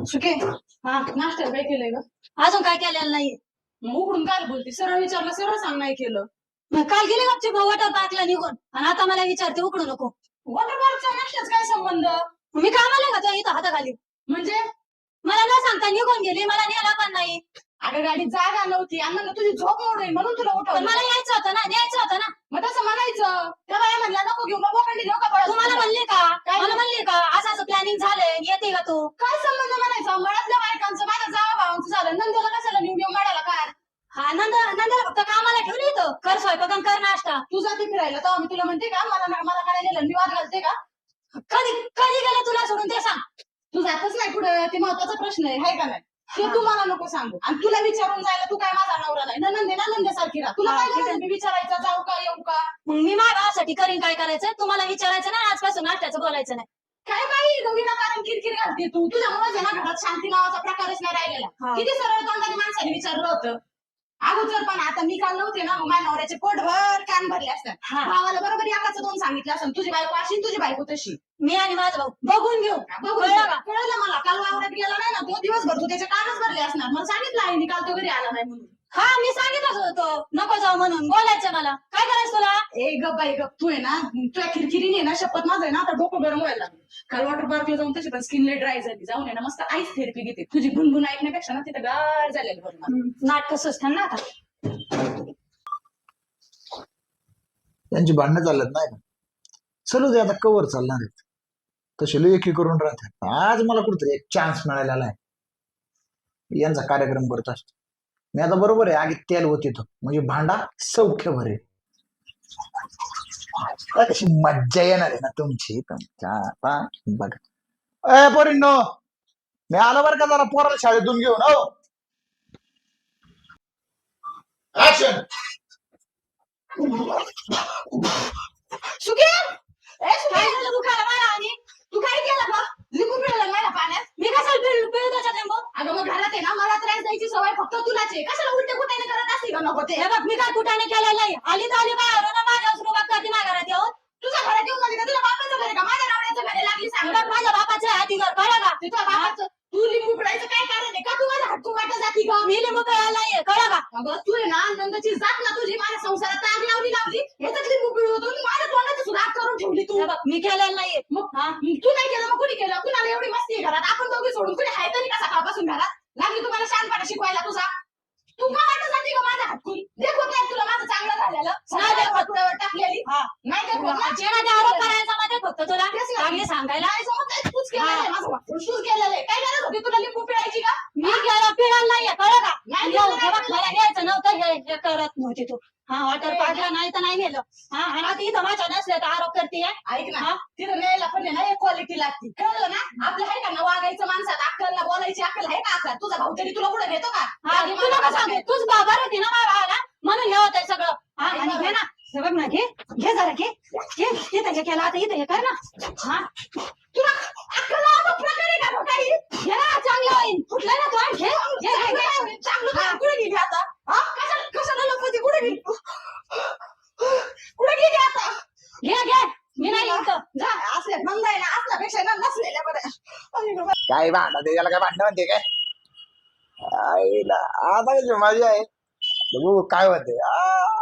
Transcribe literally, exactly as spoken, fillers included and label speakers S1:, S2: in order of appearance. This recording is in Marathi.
S1: सुके
S2: हा
S1: नाश्त्याला काय केलंय ग?
S2: अजून काय केलेलं नाही.
S1: मग उघडून काय बोलते? सरळ विचारलं सरळ सांग नाही केलं.
S2: मग काल गेले गपचे वॉटर पार्कला निघून आणि आता मला विचारते उकडू नको.
S1: वॉटर पार्कचा नाश्त्याच काय संबंध?
S2: मी कामाला का तो इथं हाताखाली?
S1: म्हणजे
S2: मला न सांगता निघून गेली, मला नेला पण नाही.
S1: अगं गाडीत जागा नव्हती आणि म्हणलं तुझी झोप मोडेल म्हणून तुला
S2: पण
S1: उठवलं.
S2: मला यायचं होतं ना, न्यायचं होतं ना.
S1: मग तसं म्हणायचं. त्या बाया म्हणल्या नको घेऊ, मग बोकांडी देऊ का पळत?
S2: तुम्हाला म्हणले का?
S1: काय?
S2: मला म्हणले का असं असं प्लॅनिंग झालंय, येते का तू?
S1: काय संबंध म्हणायचा? मळ्यातल्या बायकांचं माझ्या जावा भावांचं झालं, नंदेला कशाला नेऊन घेऊन मळ्याला काय?
S2: हा नंद नंदाला फक्त कामाला ठेवली इथं, कर स्वयंपाक आणि कर नाश्ता.
S1: तू जाते फिरायला तेव्हा मी तुला म्हणते का मला मला काय नेलं? मी वाद घालते का?
S2: कधी कधी गेलं तुला सोडून ते सांग.
S1: तू जातच नाही पुढे, ते महत्वाचा प्रश्न आहे हाय का नाही? ते तू मला नको सांगू. आणि तुला विचारून जायला तू काय माझा नवरा नाही, नंदे ना नंदेसारखी राहा. तुला
S2: हा,
S1: काय
S2: ठीक आहे.
S1: गरज आहे? मी विचारायचं जाऊ का येऊ का?
S2: मग मी माझ्या भावासाठी करीन काय करायचं, तुम्हाला विचारायचं ना, आजपासून नाश्त्याचं बोलायचं नाही.
S1: काय बाई दोघीला कारण किरकिर घालते तू. तुझ्यामुळे ना घरात शांती नावाचा प्रकारच नाही राहिलेला.
S2: हा.
S1: किती सरळ तोंडाने माणसाने विचारलं होतं अगोदर, पण आता मी काल नव्हते ना, मग माझ्या नवऱ्याचे पोटभर कान भरले असतात.
S2: हा.
S1: भावाला बरोबर एकाच दोन सांगितलं असं, तुझी बायको अशी तुझी बायको तशी.
S2: मी आणि माझा भाऊ बघून घेऊ.
S1: बघू
S2: कळलं का?
S1: कळलं मला. काल वावरात गेला नाही ना तो, दिवसभर तू त्याचे कानच भरले असणार. मला सांगितलं आहे काल तो घरी आला नाही म्हणून.
S2: हा मी सांगितलं होतो नको जाऊ म्हणून, बोलायचं मला. काय करायचं तुला?
S1: ए गप बाई गप, तू आहे ना तुझ्या खिरकिरीने ना शपथ माझं आहे ना आता डोकं गरम व्हायला लागलं. काल वॉटर पार्कला जाऊन तशी पण स्किन लय ड्राय झाली. जाऊन आहे ना मस्त आईस थेरपी घेते. तुझी गुणगुण ऐकण्यापेक्षा ना तिथं गार झालेली बरं मला.
S2: नाटक सुचतात ना आता.
S3: त्यांची भांडणं चालत नाही का? चलू दे आता, कवर चालणार आहेत तसे लेखी करून राहतात. आज मला कुठेतरी एक चान्स मिळालेला आहे, यांचा कार्यक्रम करत असतो मी आता. बरोबर आहे, आगी तेल होते तो म्हणजे भांडा सौख्य भरेल. कशी मज्जा येणार आहे ना तुमची तुमच्या. आता बघा ए पोरींनो, मी आलो बरं का जरा पोराला शाळेतून घेऊन. हो ऍक्शन.
S1: सुखे ए सुखे,
S2: काय झालं दुखायला मला? आणि
S1: तू काय केलं बा? लिंबू पिळलं मला पाण्यात.
S2: मी कशाला पिळू पिळू त्याच्यात लिंबू?
S1: अगं मग घरात आहे ना, मला त्रास द्यायची सवय फक्त तुलाच आहे. कशाला उलटे कुठे करत असते का नको ते?
S2: हे बघ मी काय कुठाने केलेलं नाही. आली तर आली बाहेर ना, माझ्या सुरुवात करते माझ्या घरात येऊन.
S1: तुझ्या घरात येऊन झाली का? तुझ्या बापाचं घर आहे का? माझ्या नवऱ्याचं घर आहे, लागली
S2: हे
S1: सांग.
S2: बघ माझ्या बापाचं आहे हाती घर, कळलं का?
S1: तुझ्या बापाचं तू लिंबू पिळायचं काय कारण आहे का? तू माझ्या हटकू वाटत जाती का?
S2: मी लिंबू पिळायला नाहीये, कळलं का?
S1: अगं तू आहे ना नंदची जात ना, तुझी माझ्या संसारात आग लावली लावली. ह्याच्यात लिंबू पिळू होतो, माझ्या तोंडाची सुद्धा आग करून ठेवली तू.
S2: हे बघ मी केलेलं नाहीये.
S1: मग
S2: हा
S1: तू नाही केलं मग कुणी केलं? कुणाला एवढी मस्ती आहे घरात? आपण दोघे सोडून कुणी आहे तरी का सकाळपासून घरात? लागली तुम्हाला शहाणपणा शिकवायला तुझा. तू का वाटत जाते का माझ्या हटकून? देखवत नाही तुला माझं चांगलं झालेलं?
S2: नाही देखवत.
S1: तुळ्यावर टाकलेली
S2: हा.
S1: नाही देखवत ना?
S2: जे माझे आरोप करायचा मध्ये फक्त तुला
S1: तेच ना.
S2: चांगले सांगायला.
S1: नाही जमत आहे, तूच केलेलं आहे माझं वाटून. तूच केलेलं आहे. काय गरज होती तुला लिंबू पिळायची का?
S2: मी केलं पिळायला नाहीये, कळलं का?
S1: नाही
S2: येऊ,
S1: केलं,
S2: हे बघ
S1: नाही
S2: मला घ्यायचं नव्हतं, हे हे करत नव्हती तू. हा वॉटर पार्कला नाही तर नाही नेलं. हा आणि आता इथं माझ्या नसले तर आरोप करते.
S1: ऐक ना, तिथं न्यायला पण आहे ना एक क्वालिटी लागते, कळलं ना? आपलं आहे का ना वागायचं माणसात अक्कल ना, बोलायची अक्कल आहे का? अक्कल तुझा भाऊ तरी तुला कुठे घेतो का?
S2: हा
S1: आधी
S2: तुला
S1: मला
S2: का सांगू, तूच बाबा होती ना माझ्या भावाला, म्हणून हे होतंय सगळं. हा आणि घे ना, हे बघ ना, घे घे जरा घे घे. इथं हे केलं, आता इथं हे कर ना. हा
S1: तुला अक्कल लावायचा प्रकार आहे का गं काही?
S2: घे ना, चांगलं होईल. फुटलं ना तू, हा, घे घे घे घे.
S1: चांगलं काय? कुठे गेली आता? हा? कशाला कशाला लपवते? कुठे गेली? कुठे गेली आता?
S2: घे घे. मी नाही इथं.
S1: जा, असल्या नंदा आहे ना, असल्यापेक्षा ना नसलेल्या बऱ्या. अरे बाबा.
S3: काय भांडण त्याला काय भांडण म्हणते काय? आईला आता कशी मजा आहे, बघू काय होते. आ